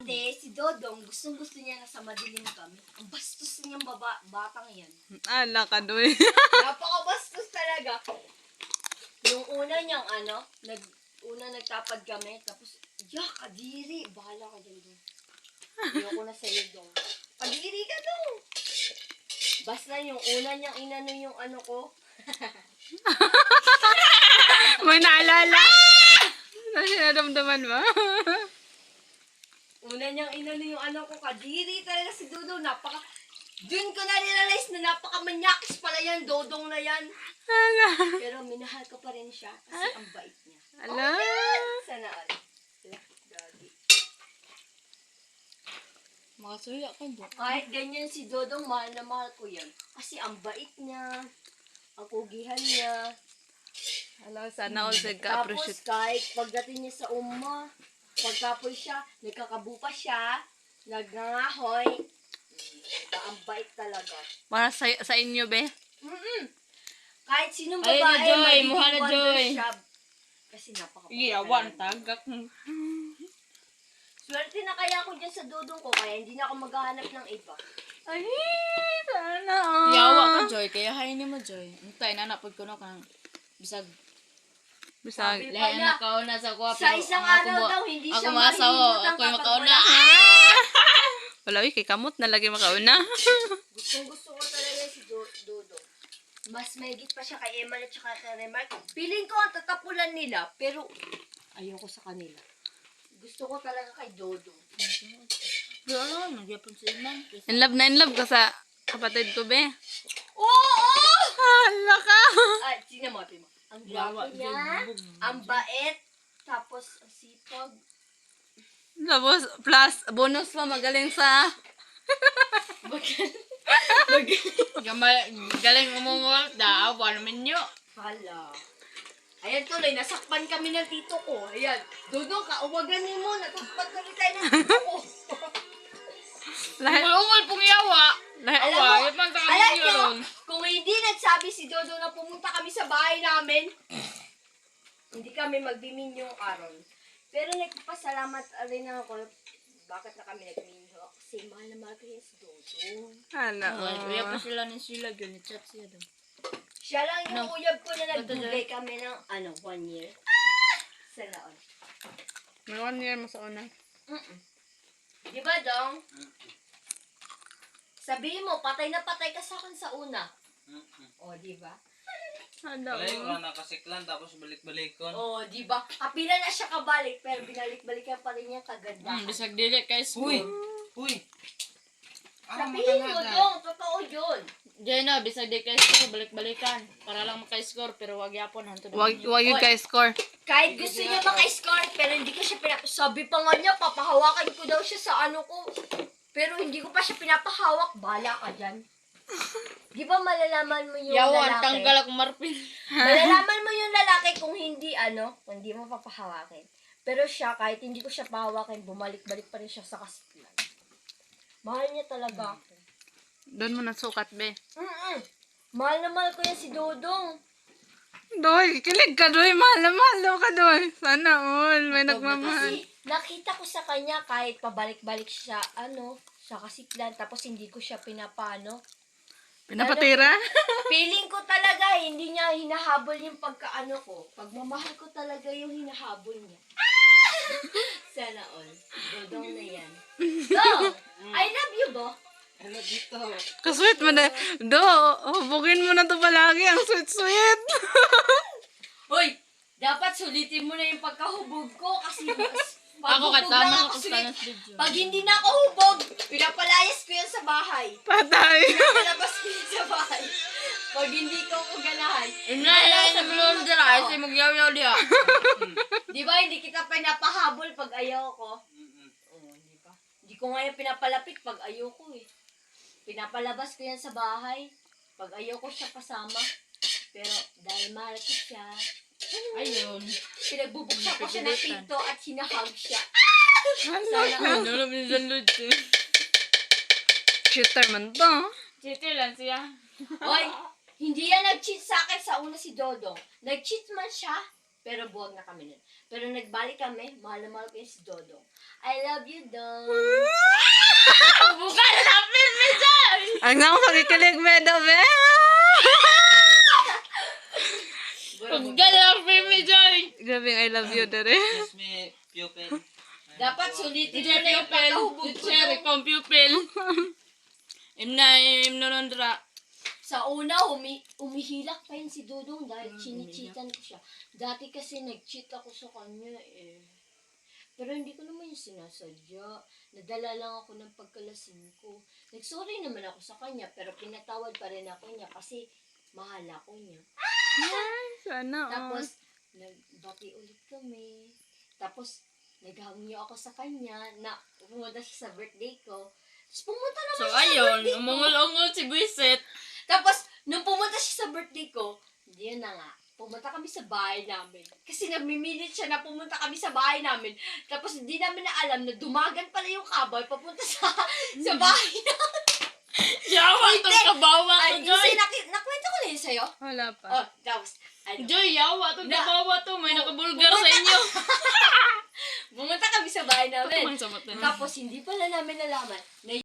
Hindi, si Dodong, gustong-gusto niya na sa madilim kami. Ang bastos niyang batang yan. Ala ka doy. Napakabastos talaga. Yung una niyang una nagtapad kami, tapos, kadiri, bahala ka dyan doon. Ayoko na sa'yo doon. Kadiri ka doon. Basta yung una niyang inano yung ano ko. May naalala. Nasinadamdaman mo. Una niyang inano yung ano ko, kadiri talaga si Dodong. Dun ko na realize na napakamanyakis pala yan, Dodong na yan. Ala. Pero minahal ko pa rin siya kasi ang bait niya. Ala. Sana all. Gagi. Makasuya ka dyan. Kahit ganyan si Dodong, mahal na mahal ko yan. Kasi ang bait niya, ang kugihan niya. Ala, sana all said Tapos ka-appreciate. kahit pagdating niya sa pagkapoy siya, nagkakabupa siya, nagngangahoy. Ang bait talaga. Para sa inyo, be. Kahit sinong Ay, babae, na, Joy. magiging Muha na, wonder Joy. siya. Kasi napakabait. Iyawan, talaga. tagak. Swerte na kaya ako dyan sa Dodong ko, kaya hindi na ako maghahanap ng iba. Ay, sana all. Yawa ka, Joy. Kaya hainin mo, Joy. Antay na napag ko na kang bisag. Bisag. Sabi- Lahat na kauna sa kuha. Sa isang araw daw, hindi siya Ako masawa. mahihintot Ako yung kapag makauna. Wala, uy, kay kamot na lagi makauna. Gustong-gusto ko talaga si Dodong. Mas mahigit pa siya kay Emma at saka kay Remark. Piling ko ang tatapulan nila, pero ayoko sa kanila. Gusto ko talaga kay Dodong. Doon, nagyapon sa iman. In love ka sa kapatid ko, be. Oo! Hala ka. Ay, sinamote mo. Ang gwapo niya, ang bait, tapos ang sipag. Tapos, plus, bonus pa, magaling sa... Galing umungol. Daawa naman nyo. Hala. Ayan tuloy, nasakpan kami ng tito ko. Ayan, Dodong, kauwaganin mo, natakpan kami tayo ng tito ko. Lahat, Umungol pong yawa. lahat, Alam mo, Yawa, man sa alam kanila nyo, ron. kung hindi nagsabi si Dodong na pumunta kami sa bahay namin, hindi kami magbiminyo karon. Pero nagpapasalamat rin ako, bakit na kami nagminyo? Kasi mahal na mahal ko yan si Dodong. hala. Kaya pa sila ni sila. Gani-chat siya doon. Siya lang yung No. uyab ko na nagbigay kami ng 1 year. Sana all. May 1 year mo sa una. Di ba, Dong? Sabihin mo, patay na patay ka sa akin sa una. O, di ba? Hala, Wala oh. yung nakasiklan tapos balik-balikon. O, di ba? Kapila na siya kabalik, pero binalik-balikan pa rin niya kaganda. Bisag dili kay school. Uy! Sabihin mo, Dong, totoo yun. Diyan na, bisag dili kay school. Balik-balikan. Para lang maka-score. Pero wag yapon. Hanto na. Wag yung guys score. Kahit gusto niya maka-score, pero hindi ko siya sabi pa nga niya, papahawakan ko daw siya sa ano ko. Pero hindi ko pa siya pinapahawak. Bala ka dyan. Di ba malalaman mo yung Yawan, lalaki? tanggal ako marpin. Malalaman mo yung lalaki kung hindi mo papahawakin. Pero siya, kahit hindi ko siya pahawakin, bumalik-balik pa rin siya sa kasiklan. Mahal niya talaga ako. Doon mo nasukat, be. Mahal na mahal ko yan si Dodong. Doy, kilig ka, Doy. Mahal na mahal daw ka, Doy. Sana all. May nagmamahal. Kasi nakita ko sa kanya kahit pabalik-balik siya, sa kasiklan, tapos hindi ko siya pinapano. Pinapatira? Feeling ko talaga, hindi niya hinahabol yung pagkaano ko. Pagmamahal ko talaga yung hinahabol niya. Sana all. Dodong na yan. Dong! I love you, Bo. Ano dito? Kasweet mo na. Do, hubugin mo na to palagi. Ang sweet-sweet. Hoy! Dapat sulitin mo na yung pagkahubog ko kasi Ako hubog lang katama ako ako sulit. sa video. Pag hindi na ako hubog, pinapalayas ko yan sa bahay. Patay. Pinapalabas ko yan sa bahay. Pag hindi ko ganahan. Inay, naglulong dira. Ay, si magyaw-yaw diya. Di ba hindi kita pinapahabol pag ayaw ko? Oo, di ba? Hindi ko nga yan pinapalapit pag ayaw ko eh. Pinapalabas ko yan sa bahay. Pag ayaw ko siya kasama. Pero dahil mahal ko siya, Ayun. pinagbubuksan ko siya ng pinto at hinahag siya. Hala. Ano mo yung lutsi? Shooter man to. Chiti lang siya. Hoy, hindi yan nag-cheat sa akin sa una si Dodong. Nag-cheat man siya, Pero buwag na kami nun. Pero nagbalik kami, mahal na mahal ko yung si Dodong. I love you, Dong. Buka na lapin mo dyan! Ang nang pakikilig, Medo, be. Buka na lapin mo dyan! Grabe, I love you, dere. Yes, may pupil. Dapat sulitin Hindi mo na yung pupil. pagkahubog ko. Teacher, ikaw ang pupil. Imna nondra. Sa una, umihilak pa yun si Dodong dahil chinichitan ko siya. Dati kasi nag-cheat ako sa kanya eh. Pero hindi ko naman yung sinasadya. Nadala lang ako ng pagkalasing ko. Nag-sorry naman ako sa kanya, pero pinatawad pa rin ako niya kasi mahal ako niya. Sana, Tapos, nagbati ulit kami. Tapos, naghamyo ako sa kanya na pumunta siya sa birthday ko. Tapos pumunta naman So siya sa ayun, birthday ko. umungol-ungol si Buisit. Tapos, nung pumunta siya sa birthday ko, yun na nga, pumunta kami sa bahay namin. Kasi namimilit siya na pumunta kami sa bahay namin. Tapos, hindi namin na alam na dumagan pala yung kaboy papunta sa bahay namin. Yawa tong kabawa Ay, to, Joy. nakwento ko na yun sa'yo. Wala pa. Oh, tapos, Joy, yawa tong Na- kabawa to. May nakabulgar sa inyo. pumunta kami sa bahay namin. Tumang sa mata. Tapos, hindi pala namin nalaman na